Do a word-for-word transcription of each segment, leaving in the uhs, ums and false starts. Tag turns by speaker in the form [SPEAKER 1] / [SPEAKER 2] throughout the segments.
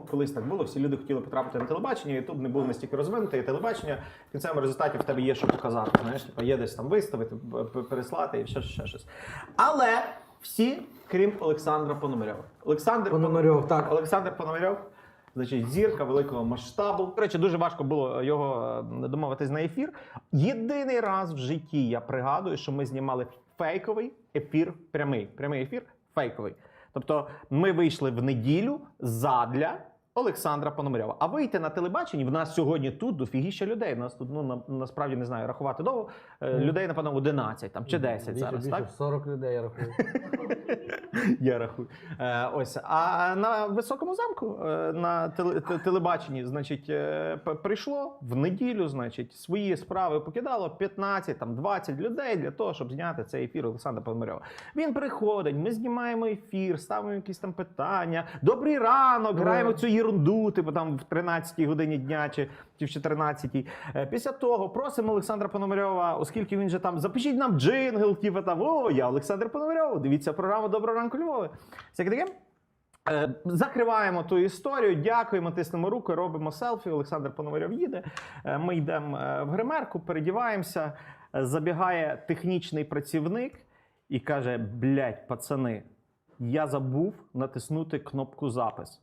[SPEAKER 1] колись так було, всі люди хотіли потрапити на телебачення, Ютуб не був настільки розвинутий, і телебачення в кінцевому результаті в тебе є що показати. Знаєш, типу, є десь там виставити, переслати і ще, ще щось. Але всі, крім Олександра Пономарьова. Олександр
[SPEAKER 2] Пономарьов, так.
[SPEAKER 1] Олександр Пономарьов, значить, зірка великого масштабу. До речі, дуже важко було його домовитись на ефір. Єдиний раз в житті я пригадую, що ми знімали фейковий ефір, прямий. Прямий ефір фейковий. Тобто ми вийшли в неділю задля Олександра Пономарьова. А вийти на телебаченні, в нас сьогодні тут дофігіща людей. У нас тут, ну, на, насправді, не знаю, рахувати довго. Mm. Людей, напевно, одинадцять там, чи десять
[SPEAKER 2] більше,
[SPEAKER 1] зараз,
[SPEAKER 2] більше,
[SPEAKER 1] так?
[SPEAKER 2] сорок людей, я рахую.
[SPEAKER 1] Я рахую. Е, ось. А на Високому замку, е, на теле, телебаченні, значить, е, прийшло в неділю, значить, свої справи покидало п'ятнадцять, там, двадцять людей для того, щоб зняти цей ефір Олександра Пономарьова. Він приходить, ми знімаємо ефір, ставимо якісь там питання. Добрий ранок, граємо цю єрунду, типу там в тринадцятій годині дня чи, чи в чотирнадцятій. Е, після того просимо Олександра Пономарьова, оскільки він же там, запишіть нам джингл, типу там, о, я Олександр Пономарьов, дивіться програму «Доброго ранку, Львове». Всяке таке. Е, закриваємо ту історію, дякуємо, тиснемо руку, робимо селфі. Олександр Пономарьов їде. Е, ми йдемо в гримерку, передіваємося. Е, забігає технічний працівник і каже: блядь, пацани, я забув натиснути кнопку «Запис».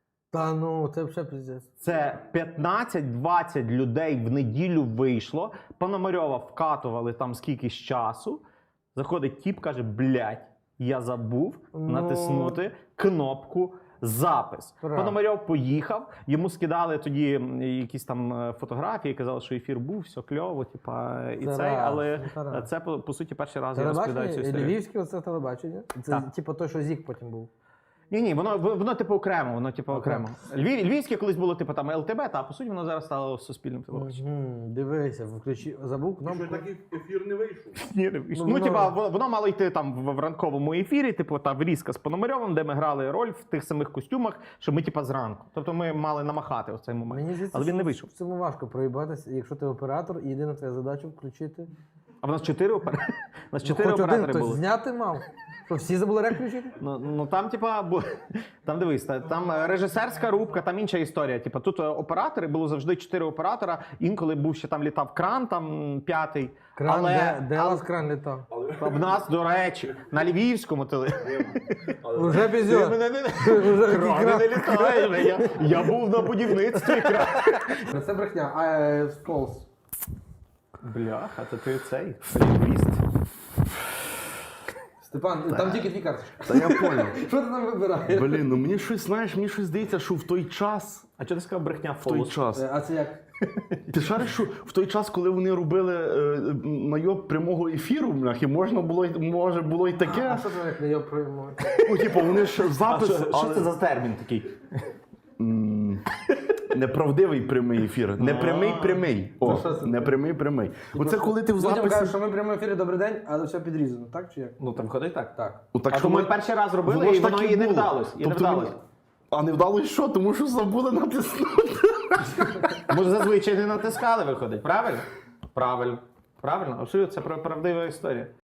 [SPEAKER 2] Та ну, це вже пиздець.
[SPEAKER 1] Це п'ятнадцять-двадцять людей в неділю вийшло. Пономарьова вкатували там скількись часу. Заходить тіп, каже: блядь, я забув
[SPEAKER 2] ну...
[SPEAKER 1] натиснути кнопку «Запис».
[SPEAKER 2] Правда.
[SPEAKER 1] Пономарьов поїхав, йому скидали тоді якісь там фотографії, казали, що ефір був, все кльово, типа, і
[SPEAKER 2] це
[SPEAKER 1] цей,
[SPEAKER 2] раз,
[SPEAKER 1] але
[SPEAKER 2] це,
[SPEAKER 1] це, по, по суті, перший раз я розповідаю цю історію.
[SPEAKER 2] Львівське оце телебачення? Це
[SPEAKER 1] так.
[SPEAKER 2] Типу той, що ЗІК потім був.
[SPEAKER 1] Ні, ні, воно, воно типу окремо, воно типу окремо. Львів, Львівське колись було типу там ел те бе, та по суті воно зараз стало суспільним телебаченням.
[SPEAKER 2] Угу, дивися, включи, забув кнопку.
[SPEAKER 3] Що такий ефір не вийшов?
[SPEAKER 1] Ні, не вийшло.
[SPEAKER 2] Ну,
[SPEAKER 1] Ну,
[SPEAKER 2] воно...
[SPEAKER 1] типа, воно, воно мало йти там в, в ранковому ефірі, типу, та врізка з Пономарьовим, де ми грали роль в тих самих костюмах, що ми типа зранку. Тобто ми мали намахати в цей момент.
[SPEAKER 2] Мені здається,
[SPEAKER 1] але він не
[SPEAKER 2] що
[SPEAKER 1] вийшов.
[SPEAKER 2] в цьому важко проїбатися, якщо ти оператор, і єдина твоя задача включити.
[SPEAKER 1] А в нас чотири оператори. У нас
[SPEAKER 2] Ну,
[SPEAKER 1] чотири
[SPEAKER 2] хоч
[SPEAKER 1] оператори
[SPEAKER 2] один,
[SPEAKER 1] були.
[SPEAKER 2] хтось зняти мав. Що, всі забули рек включити?
[SPEAKER 1] Ну, ну там, типа, бо там дивись, та- там режисерська рубка, там інша історія. Типа, тут е, оператори, було завжди чотири оператора. Інколи був ще там літав кран, там п'ятий.
[SPEAKER 2] Кран,
[SPEAKER 1] але,
[SPEAKER 2] де, де
[SPEAKER 1] але
[SPEAKER 2] у вас кран літав?
[SPEAKER 1] в нас, до речі, на Львівському теле.
[SPEAKER 2] Уже
[SPEAKER 1] Ти
[SPEAKER 2] пізьо.
[SPEAKER 1] мене не-
[SPEAKER 2] Вже
[SPEAKER 1] Крани
[SPEAKER 2] кран.
[SPEAKER 1] не літають. Я, я був на будівництві кран.
[SPEAKER 2] Це брехня, а е, сполз.
[SPEAKER 1] Бляха, то ти цей лінгвіст.
[SPEAKER 2] Степан, там тільки дві карточки.
[SPEAKER 3] Та я поняв.
[SPEAKER 2] Що ти там вибираєш?
[SPEAKER 3] Блін, ну мені щось, знаєш, мені щось здається, що в той час,
[SPEAKER 1] А чого ти сказав брехня
[SPEAKER 3] в той
[SPEAKER 1] фолос?
[SPEAKER 3] час.
[SPEAKER 2] Е, А це як?
[SPEAKER 3] Ти шариш, що в той час, коли вони робили е, найоб прямого ефіру, бляхи, можна було, й- може було й
[SPEAKER 2] А
[SPEAKER 3] таке.
[SPEAKER 2] що це як не я прийму?
[SPEAKER 3] Ну, типу, вони ж
[SPEAKER 1] А
[SPEAKER 3] запис,
[SPEAKER 1] що, що
[SPEAKER 3] але-
[SPEAKER 1] це за термін такий?
[SPEAKER 3] М, неправдивий прямий ефір. Непрямий прямий. О,
[SPEAKER 2] Ну, що це?
[SPEAKER 3] непрямий прямий. Оце коли ти в
[SPEAKER 2] Потім кажуть,
[SPEAKER 3] записі...
[SPEAKER 2] що ми в прямому ефірі добрий день, але все підрізано, так чи як?
[SPEAKER 1] Ну там ходить так.
[SPEAKER 2] Так.
[SPEAKER 3] Ну, так
[SPEAKER 1] А
[SPEAKER 3] що
[SPEAKER 1] то ми
[SPEAKER 3] ми-
[SPEAKER 1] перший раз робили,
[SPEAKER 3] Воно ж
[SPEAKER 1] і воно
[SPEAKER 3] так і
[SPEAKER 1] і не
[SPEAKER 3] було.
[SPEAKER 1] вдалось. І не
[SPEAKER 3] Тобто
[SPEAKER 1] вдалось.
[SPEAKER 3] він- А не вдалося що? Тому що забули натиснути.
[SPEAKER 1] Може, зазвичай не натискали, виходить, правильно? Правильно. Правильно, абсолютно, це правдива історія.